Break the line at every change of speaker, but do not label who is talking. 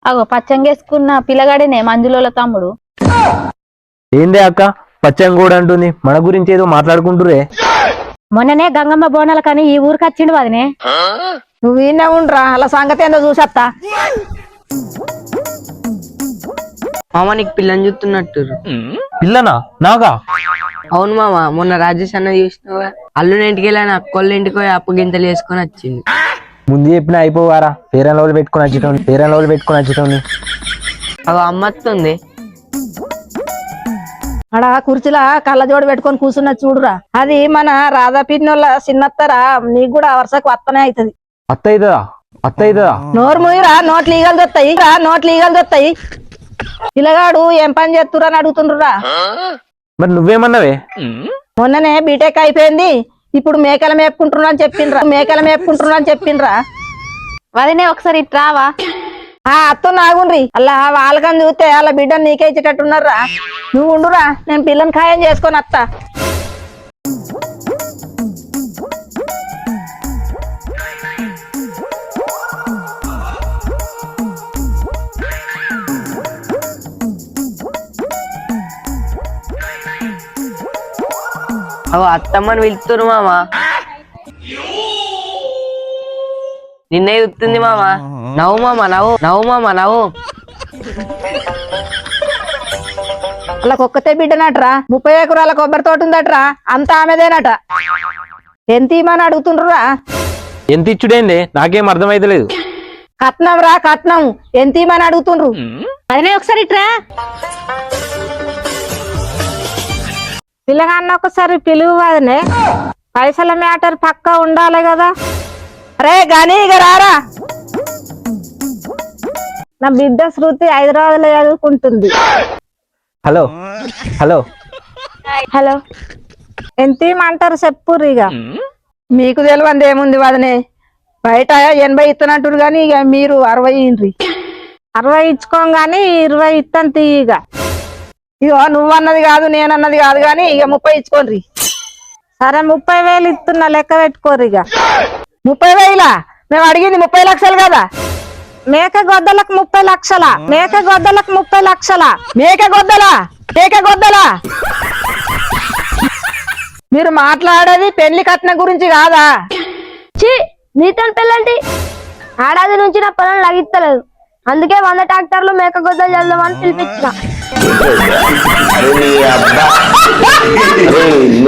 అగో పచ్చంగేసుకున్న పిల్లగాడేనే మంజులోల తమ్ముడు.
ఏందే అక్క పచ్చంగూడ అంటుంది, మన గురించి ఏదో మాట్లాడుకుంటురే.
మొన్ననే గంగమ్మ బోనాల కానీ ఈ ఊరికి వచ్చిండు వదినే.
నువ్వు ఈయన ఉండరా, అలా సంగతి ఏందో చూసత్తా.
మామ నీకు పిల్లని చూస్తున్నట్టు.
పిల్లనా నాగా?
అవును మామ, మొన్న రాజేష్ అన్న చూసినావా, అల్లుని ఇంటికి వెళ్ళాను అక్కోళ్ళ ఇంటికి పోయి అప్పు గింతలు వేసుకొని వచ్చింది.
ముందు చెప్పిన అయిపోవారా, ఫేరన్ లవ్లు పెట్టుకుని వచ్చేటోని.
అవి అమ్మత్తుంది.
ఆడ కుర్చీలా కళ్ళజోడు పెట్టుకొని కూర్చున్న చూడురా, అది మన రాధా పిన్నోళ్ళ చిన్నత్తరా. నీకు కూడా వరుసకు వత్తనే అవుతుంది.
అత్తయిదా
నోరు మూయిరా, నోట్లు ఈగలు దొత్తాయి. పిల్లగాడు ఏం పని చేస్తురా అని అడుగుతుండ్రురా.
మరి నువ్వేమన్నావే?
మొన్ననే బీటెక్ అయిపోయింది, ఇప్పుడు మేకల మేపుకుంటున్నా అని చెప్పిండ్రా.
వదినే ఒకసారి ఇట్రావా.
అత్తో నాగుండ్రి, అలా వాళ్ళకని చూస్తే అలా బిడ్డను నీకే ఇచ్చేటట్టున్నారా. నువ్వు ఉండురా, నేను పిల్లని ఖాయం చేసుకొని అత్తా.
అవి అత్తమ్మని పిలుతురు మామ. నిన్నే చూస్తుంది మామ. నవ్వు మామ, నవ్వు.
అలా ఒక్కతే బిడ్డనట్రా, 30 ఎకరాల కొబ్బరి తోట ఉందట్రా, అంతా ఆమెదేనట. ఎంత ఇమ్మని అడుగుతుండ్రురా.
ఎంత ఇచ్చుడేందే, నాకేం అర్థమైతలేదు.
కట్నం ఎంత ఇమ్మని అడుగుతుండ్రు.
వదినే ఒకసారి ఇట్రా.
పిల్లగాన్న ఒకసారి పిలువు వదినే, పైసల మ్యాటర్ పక్కా ఉండాలి కదా. అరే గాని ఇక రారా, నా బిడ్డ శృతి హైదరాబాద్ లో చదువుకుంటుంది.
హలో
హలో ఎంత ఇమ్మంటారు చెప్పుర్రు. ఇక మీకు తెలియంది ఏముంది వదినే, బయట 80 ఇస్తున్నట్టు గాని ఇక మీరు 60 ఇయ్యండ్రి. 60 ఇచ్చుకోగాని 20 ఇస్తాను తీయగ. ఇగో నువ్వన్నది కాదు నేనన్నది కాదు గాని ఇక 30 ఇచ్చుకోండి. సరే 30,000 ఇస్తున్నా, లెక్క పెట్టుకోరు. ఇక 30,000 మేము అడిగింది 30 లక్షలు కదా. మేక గొద్దలకు 30 లక్షలా? మేక గొద్దలా? మీరు మాట్లాడేది పెళ్లి కట్నం గురించి కాదా?
నీతో పెళ్ళంటి ఏడాది నుంచి నా పొలం లగిస్తలేదు, అందుకే 100 ట్రాక్టర్లు మేక గొద్దలు చల్దామని పిలిపించిన.